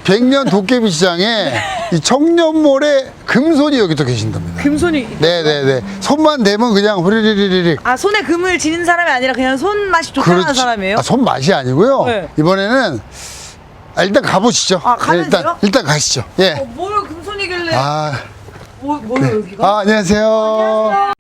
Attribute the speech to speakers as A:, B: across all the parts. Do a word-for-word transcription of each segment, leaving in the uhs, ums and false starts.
A: 백년 도깨비 시장에 이 청년몰에 금손이 여기 또 계신답니다.
B: 금손이.
A: 네네네. 손만 대면 그냥 후리리리리.
B: 아, 손에 금을 지닌 사람이 아니라 그냥 손맛이 좋다는 사람이에요?
A: 아, 손맛이 아니고요.
B: 네.
A: 이번에는 아, 일단 가보시죠.
B: 아, 가면
A: 네, 일단
B: 돼요?
A: 일단 가시죠. 예.
B: 어, 뭘 금손이길래?
A: 아,
B: 뭐, 뭐예요 여기가?
A: 아 안녕하세요.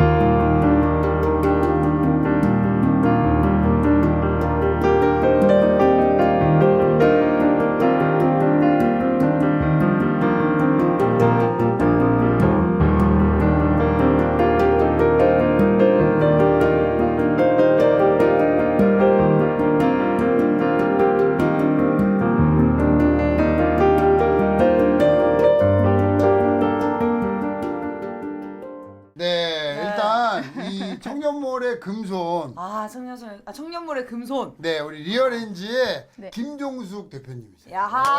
A: 네, 일단 이 청년몰의 금손.
B: 아, 청년손, 아, 청년몰의 금손.
A: 네, 우리 리얼엔지의
C: 네.
A: 김종숙 대표님이세요.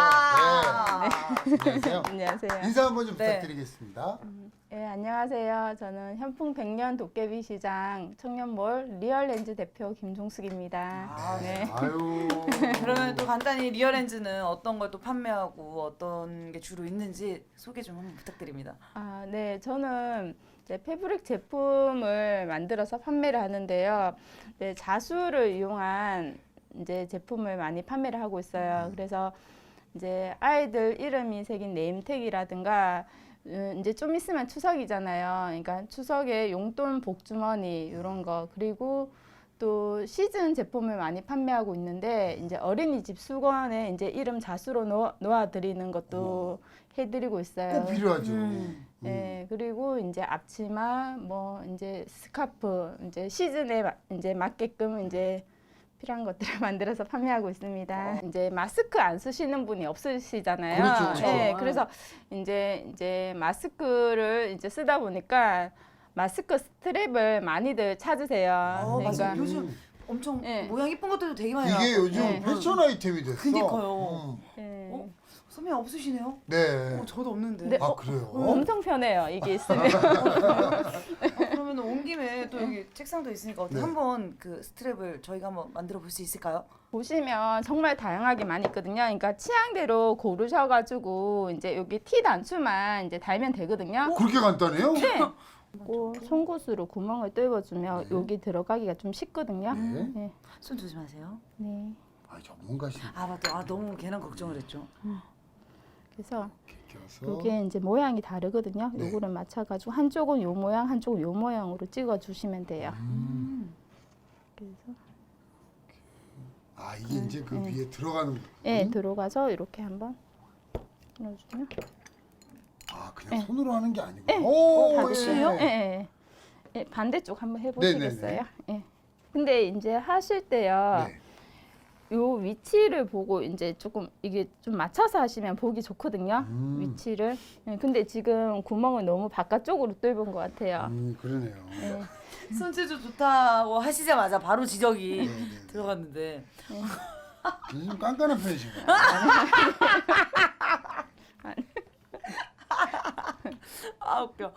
B: 야하.
A: 네. 안녕하세요.
C: 안녕하세요.
A: 인사 한번 좀
B: 네.
A: 부탁드리겠습니다.
C: 네, 안녕하세요. 저는 현풍 백년 도깨비 시장 청년몰 리얼렌즈 대표 김종숙입니다.
B: 아,
C: 네.
A: 아유.
B: 그러면 또 간단히 리얼렌즈는 어떤 걸 또 판매하고 어떤 게 주로 있는지 소개 좀 한번 부탁드립니다.
C: 아, 네, 저는 이제 패브릭 제품을 만들어서 판매를 하는데요. 네, 자수를 이용한 이제 제품을 많이 판매를 하고 있어요. 그래서 이제 아이들 이름이 새긴 네임택이라든가 음, 이제 좀 있으면 추석이잖아요. 그러니까 추석에 용돈 복주머니 이런 거, 그리고 또 시즌 제품을 많이 판매하고 있는데 이제 어린이집 수건에 이제 이름 자수로 놓아, 놓아드리는 것도 해드리고 있어요.
A: 꼭 필요하죠.
B: 음.
C: 네, 그리고 이제 앞치마, 뭐 이제 스카프, 이제 시즌에 마- 이제 맞게끔 이제 필요한 것들을 만들어서 판매하고 있습니다. 이제 마스크 안 쓰시는 분이 없으시잖아요.
A: 그렇죠, 그렇죠.
C: 네, 그래서 이제 이제 마스크를 이제 쓰다 보니까 마스크 스트랩을 많이들 찾으세요.
B: 어, 맞아요.
C: 그러니까
B: 요즘 엄청
C: 네.
B: 모양 이쁜 것들도 되게 많이
A: 이게
B: 나왔거든요.
A: 요즘
C: 네.
A: 패션 아이템이 됐어.
B: 그니까요.
A: 음.
C: 네.
B: 어? 선배님 없으시네요?
A: 네.
B: 어, 저도 없는데.
C: 네.
A: 아
C: 어,
A: 그래요?
C: 엄청 편해요. 이게 있으면.
B: 아, 그러면 온 김에 또 여기 책상도 있으니까 어떻게
A: 네.
B: 한번 그 스트랩을 저희가 한번 만들어 볼 수 있을까요?
C: 보시면 정말 다양하게 많이 있거든요. 그러니까 취향대로 고르셔가지고 이제 여기 티 단추만 이제 달면 되거든요.
A: 그렇게 간단해요?
C: 네. 고 송곳으로 구멍을 뚫어주면
A: 네.
C: 여기 들어가기가 좀 쉽거든요.
A: 네.
C: 네.
B: 손 조심하세요.
C: 네.
A: 아 전문가신
B: 아 맞다. 아 너무 괜한 걱정을 했죠.
C: 그래서
A: 껴서.
C: 이게 이제 모양이 다르거든요.
A: 네.
C: 요거를 맞춰가지고 한쪽은 요 모양, 한쪽은 요 모양으로 찍어주시면 돼요.
A: 음.
C: 그래서
A: 아 이게 이제 그
C: 네.
A: 위에 들어가는.
C: 예,
A: 음?
C: 들어가서 이렇게 한번 넣어주면.
A: 아 그냥
C: 네.
A: 손으로 하는 게 아니고.
C: 네.
A: 오,
B: 같이요?
C: 예, 예. 예, 반대쪽 한번 해보시겠어요?
A: 네네네.
C: 예. 근데 이제 하실 때요.
A: 네.
C: 요 위치를 보고 이제 조금 이게 좀 맞춰서 하시면 보기 좋거든요.
A: 음.
C: 위치를. 예, 근데 지금 구멍을 너무 바깥쪽으로 뚫은 것 같아요.
A: 음 그러네요.
C: 예.
B: 손재주 좋다고 하시자마자 바로 지적이
A: 네, 네, 네.
B: 들어갔는데.
A: 좀 깐깐한 편이신가요?
B: 아 웃겨.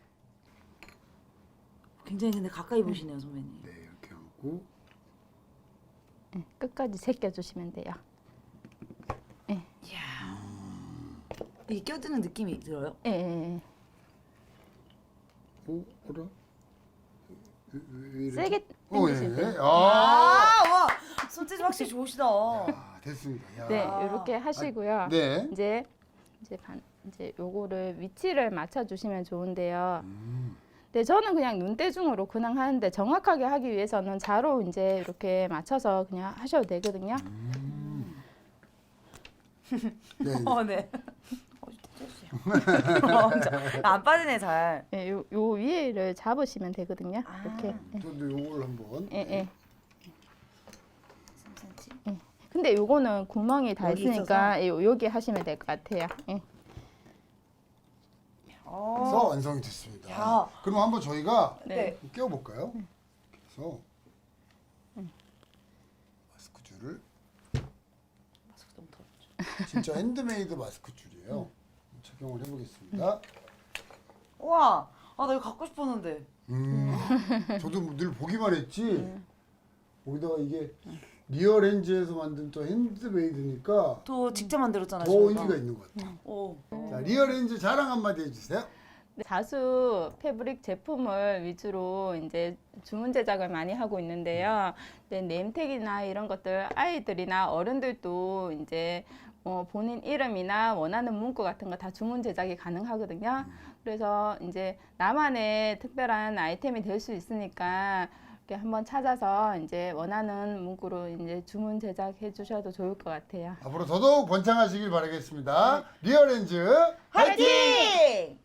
B: 굉장히 근데 가까이 보시네요 선배님.
A: 네 이렇게 하고.
C: 예, 끝까지 제껴주시면 돼요.
B: 이야. 이게 껴드는 느낌이 들어요?
C: 예, 예, 예.
A: 오 뭐라? 왜, 왜, 왜 이러지?
C: 세게
A: 어,
C: 당기실
A: 예.
C: 때.
A: 아.
B: 아, 와 손재주 확실히 좋으시다.
A: 아, 됐습니다. 야.
C: 네, 이렇게 하시고요.
A: 네.
C: 이제 이제 반 이제 요거를 위치를 맞춰 주시면 좋은데요.
A: 음.
C: 네, 저는 그냥 눈대중으로 그냥 하는데 정확하게 하기 위해서는 자로 이제 이렇게 맞춰서 그냥 하셔도 되거든요.
A: 음. 네. 네.
B: 어 네. 어, 떼주세요. 어, 저- 안 빠지네 잘.
C: 예, 요, 요 위에를 잡으시면 되거든요.
B: 아.
C: 이렇게. 예,
A: 저도 요걸 한번.
C: 예, 예.
B: 삼 센티미터.
C: 근데 요거는 구멍이 다
B: 여기
C: 있으니까 예, 요- 여기 하시면 될 것 같아요. 예.
A: 해서
B: 어.
A: 완성이 됐습니다.
B: 야.
A: 그럼 한번 저희가
B: 네.
A: 끼워볼까요? 그래서 마스크 줄을
B: 마스크 너무 더럽죠.
A: 진짜 핸드메이드 마스크 줄이에요. 착용을 해보겠습니다.
B: 우와. 아 나 이거 갖고 싶었는데.
A: 음, 저도 늘 보기만 했지. 거기다가 이게 리어렌즈에서 만든 또 핸드메이드니까
B: 또 직접 만들었잖아요.
A: 더
B: 저희가.
A: 의미가 있는 것 같아요.
B: 오.
A: 자, 리어렌즈 자랑 한마디 해주세요.
C: 네, 자수 패브릭 제품을 위주로 이제 주문 제작을 많이 하고 있는데요. 네, 네임택이나 이런 것들 아이들이나 어른들도 이제 어, 본인 이름이나 원하는 문구 같은 거 다 주문 제작이 가능하거든요. 그래서 이제 나만의 특별한 아이템이 될 수 있으니까 이렇게 한번 찾아서 이제 원하는 문구로 이제 주문 제작해 주셔도 좋을 것 같아요.
A: 앞으로 더더욱 번창하시길 바라겠습니다. 리어렌즈
B: 화이팅!